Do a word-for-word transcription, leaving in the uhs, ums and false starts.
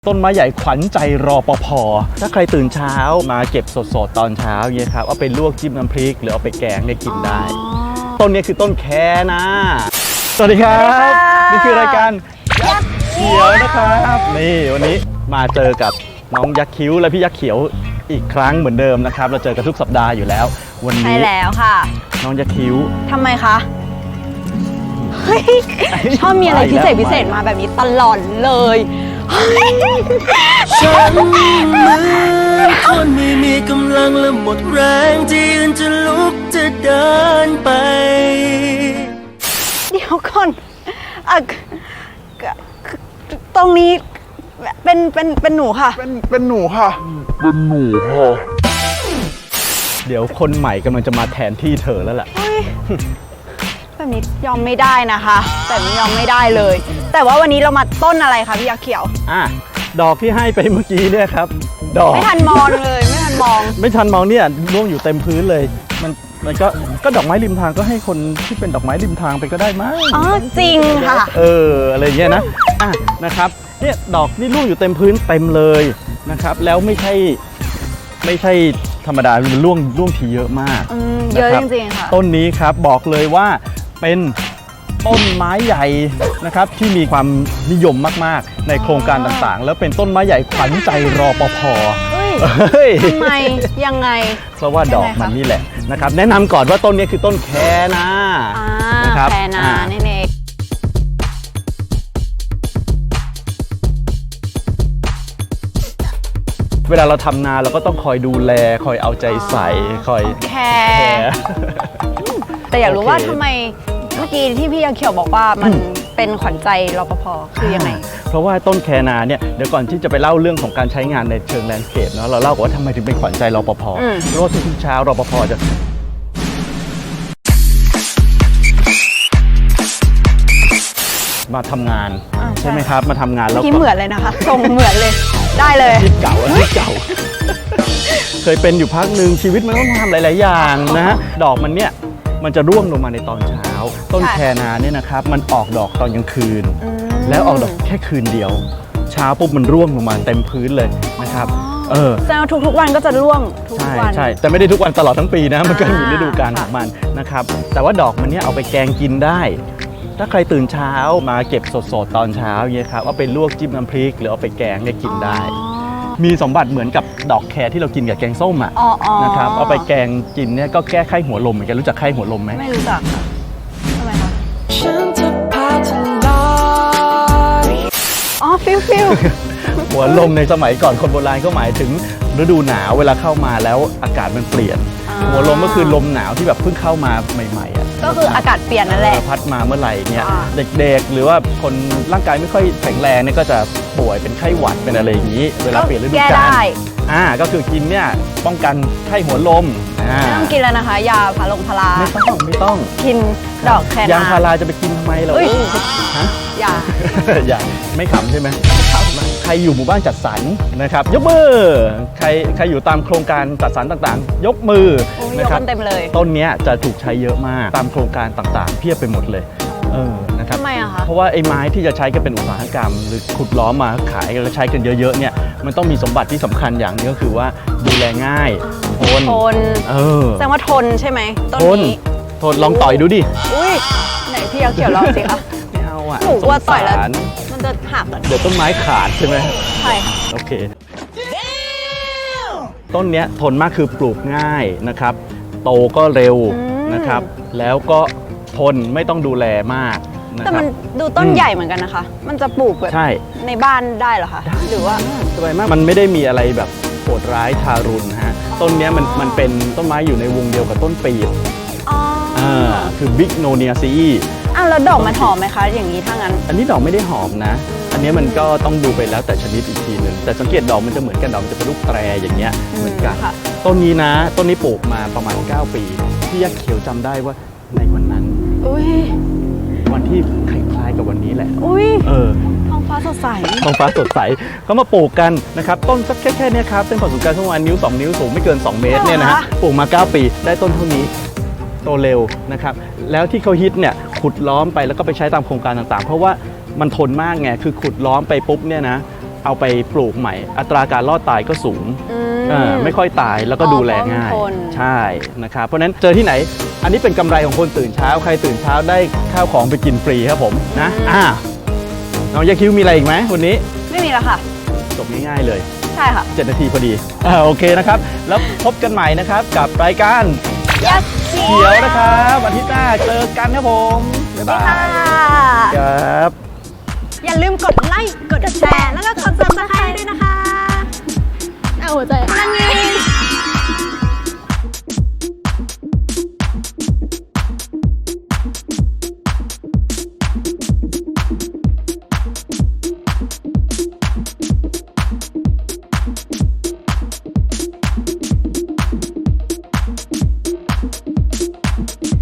ต้นไม้ใหญ่ขวัญใจรปภ.ถ้าใครตื่นเช้ามาเก็บสดๆตอนเช้าเนี่ยครับเอาไปลวกจิ้มน้ำพริกหรือเอาไปแกงเนี่ยกินได้ ต้นนี้คือต้นแคนะสวัสดีครับนี่คือรายการยักษ์เขียวนะครับนี่วันนี้มาเจอกับน้องยักษ์คิ้วและพี่ยักษ์เขียวอีกครั้งเหมือนเดิมนะครับเราเจอกันทุกสัปดาห์อยู่แล้ววันนี้ใช่แล้วค่ะน้องยักษ์คิ้วทำไมคะเฮ้ยชอบมีอะไรพิเศษพิเศษมาแบบนี้ตลอดเลยฉันเหมือนคนไม่มีกำลังและหมดแรงที่ยืนจะลุกจะเดินไปเดี๋ยวก่อนอ่ะตรงนี้เป็นเป็นเป็นหนูค่ะเป็นเป็นหนูค่ะเป็นหนูค่ะเดี๋ยวคนใหม่กำลังจะมาแทนที่เธอแล้วแหละแบบนี้ยอมไม่ได้นะคะแบบนี้ยอมไม่ได้เลยแต่ว่าวันนี้เรามาต้นอะไรคะพี่ยักษ์เขียวอ่ะดอกที่ให้ไปเมื่อกี้เนี่ยครับดอกไม่ทันมองเลยไม่ทันมองไม่ทันมองเนี่ยร่วงอยู่เต็มพื้นเลยมันมันก็ก็ดอกไม้ริมทางก็ให้คนที่เป็นดอกไม้ริมทางไปก็ได้มั้งอ๋อจริงค่ะเอออะไรเงี้ยนะอ่ะนะครับเนี่ยดอกนี่ร่วงอยู่เต็มพื้นเต็มเลยนะครับแล้วไม่ใช่ไม่ใช่ธรรมดามันร่วงร่วงทีเยอะมากเยอะจริงๆค่ะต้นนี้ครับบอกเลยว่าเป็นต้นไม้ใหญ่นะครับที่มีความนิยมมากๆในโครงการต่างๆแล้วเป็นต้นไม้ใหญ่ขวัญใจรปภ. ทำไมยังไงเพราะว่าดอกมันนี่แหละนะครับแนะนำก่อนว่าต้นนี้คือต้นแคนะนะครับแคนะนี่เองเวลาเราทำนาเราก็ต้องคอยดูแลคอยเอาใจใส่คอยแคร์แต่อยากรู้ว่าทำไมเมื่อกี้ที่พี่ยักษ์เขียวบอกว่ามันเป็นขวัญใจรปภ.คือยังไงเพราะว่าต้นแคนาเนี่ยเดี๋ยวก่อนที่จะไปเล่าเรื่องของการใช้งานในเชิงแลนด์สเคปเนาะเราเล่าว่าทำไมถึงเป็นขวัญใจรปภ.เพราะว่าทุกเช้ารปภ.จะมาทำงานใช่ไหมครับมาทำงานแล้วที่เหมือนเลยนะคะทรงเหมือนเลยได้เลยที่เก่าที่เก่าเคยเป็นอยู่พักหนึ่งชีวิตมันต้องทำหลายๆอย่างนะฮะดอกมันเนี่ยมันจะร่วงลงมาในตอนเช้าต้นแคนาเนี่ยนะครับมันออกดอกตอนกลางคืนแล้วออกดอกแค่คืนเดียวเช้าปุ๊บมันร่วงลงมาเต็มพื้นเลยนะครับเออแสดงว่าทุกๆวันก็จะร่วงทุกวันใช่แต่ไม่ได้ทุกวันตลอดทั้งปีนะมันก็มีฤดูกาลของมันนะครับแต่ว่าดอกมันเนี่ยเอาไปแกงกินได้ถ้าใครตื่นเช้ามาเก็บสดๆตอนเช้าเนี่ยครับเอาไปลวกจิ้มน้ำพริกหรือเอาไปแกงเนี่ยกินได้มีสมบัติเหมือนกับดอกแครที่เรากินกับแกงส้มอ่ะนะครับเอาไปแกงกินเนี่ยก็แก้ไข้หัวลมเหมือนกันรู้จักไข้หัวลมไหมไม่รู้จักค่ะทำไมคะอ๋อฟิลฟิลหัวลมในสมัยก่อนคนโบราณก็หมายถึงฤดูหนาวเวลาเข้ามาแล้วอากาศมันเปลี่ยนหัวลมก็คือลมหนาวที่แบบเพิ่งเข้ามาใหม่ๆอ่ะก็คืออากาศเปลี่ยนนั่นแหละพัดมาเมื่อไหร่เนี่ยเด็กๆหรือว่าคนร่างกายไม่ค่อยแข็งแรงเนี่ยก็จะป่วยเป็นไข้หวัดเป็นอะไรอย่างนี้เวลาเปลี่ยนฤดูกาลอ่าก็คือกินเนี่ยป้องกันไข้หัวลมไม่ต้องกินแล้วนะคะยาพาลงพาราไม่ต้องไม่ต้องกินดอกแคนายาพาราจะไปกินทำไมเราฮะยาอย่าไม่ขำใช่ไหมใครอยู่หมู่บ้านจัดสรรนะครับยกมือใครใครอยู่ตามโครงการจัดสรรต่างๆยกมือนะครับเต็มเลยต้นนี้จะถูกใช้เยอะมากตามโครงการต่างๆเพียบไปหมดเลยเออนะครับทำไมอะคะเพราะว่าไอ้ไม้ที่จะใช้กันเป็นอุตสาหกรรมหรือขุดล้อมมาขายแล้วใช้กันเยอะๆเนี่ยมันต้องมีสมบัติที่สำคัญอย่างนึงก็คือว่าดูแลง่ายทนทนเออแสดงว่าทนใช่ไหมต้นนี้ทนลองต่อยดูดิอุ้ยไหนพี่ยักษ์เขียวลองสิคะไม่เอาอ่ะหนูว่าต่อยแล้วมันจะหักเดี๋ยวต้นไม้ขาดใช่ไหมใช่ค่ะโอเคต้นเนี้ยทนมากคือปลูกง่ายนะครับโตก็เร็วนะครับแล้วก็ทนไม่ต้องดูแลมากแต่มันดูต้นใหญ่เหมือนกันนะคะมันจะปลูกแบบในบ้านได้เหรอคะหรือว่าสบายมากมันไม่ได้มีอะไรแบบโหดร้ายทารุณฮะต้นนี้มันมันเป็นต้นไม้อยู่ในวงเดียวกับต้นปีบอ่าคือบิ๊กโนเนียซีอ้าวแล้วดอกมันหอมไหมคะอย่างนี้ถ้างั้นอันนี้ดอกไม่ได้หอมนะอันนี้มันก็ต้องดูไปแล้วแต่ชนิดอีกทีหนึ่งแต่สังเกตดอกมันจะเหมือนกันดอกมันจะเป็นลูกแตรอย่างเงี้ยเหมือนกันต้นนี้นะต้นนี้ปลูกมาประมาณเก้าปีพี่ยักษ์เขียวจำได้ว่าในวันนั้นวันที่คล้ายๆกับวันนี้แหละอุ้ยเออท้องฟ้าสดใสท้องฟ้าสดใสเขามาปลูกกันนะครับต้นสักแค่แค่นี้ครับเส้นผ่าศูนย์กลางประมาณนิ้วสองนิ้วสูงไม่เกินสองเมตรเนี่ยนะฮะปลูกมาเก้าปีได้ต้นเท่านี้โตเร็วนะครับแล้วที่เขาฮิตเนี่ยขุดล้อมไปแล้วก็ไปใช้ตามโครงการต่างๆเพราะว่ามันทนมากไงคือขุดล้อมไปปุ๊บเนี่ยนะเอาไปปลูกใหม่ อัตราการรอดตายก็สูงอืเออไม่ค่อยตายแล้วก็อ๋อดูแลง่ายเพราะมันทนใช่นะครับเพราะฉะนั้นเจอที่ไหน อันนี้เป็นกำไรของคนตื่นเช้าใครตื่นเช้าได้ข้าวของไปกินฟรีครับผมนะอ่าน้องยาคิวมีอะไรอีกไหมวันนี้ไม่มีแล้วค่ะจบง่ายๆเลยใช่ค่ะเจ็ดนาทีพอดีอ่าโอเคนะครับ แล้วพบกันใหม่นะครับกับรายการยักษ์เขีเขียวนะครับอาทิตย์หน้าเจอกันครับผมบ๊ายบายค่ะครับอย่าลืมกดไลค์ กดแชร์ แล้วก็กดซับสไคร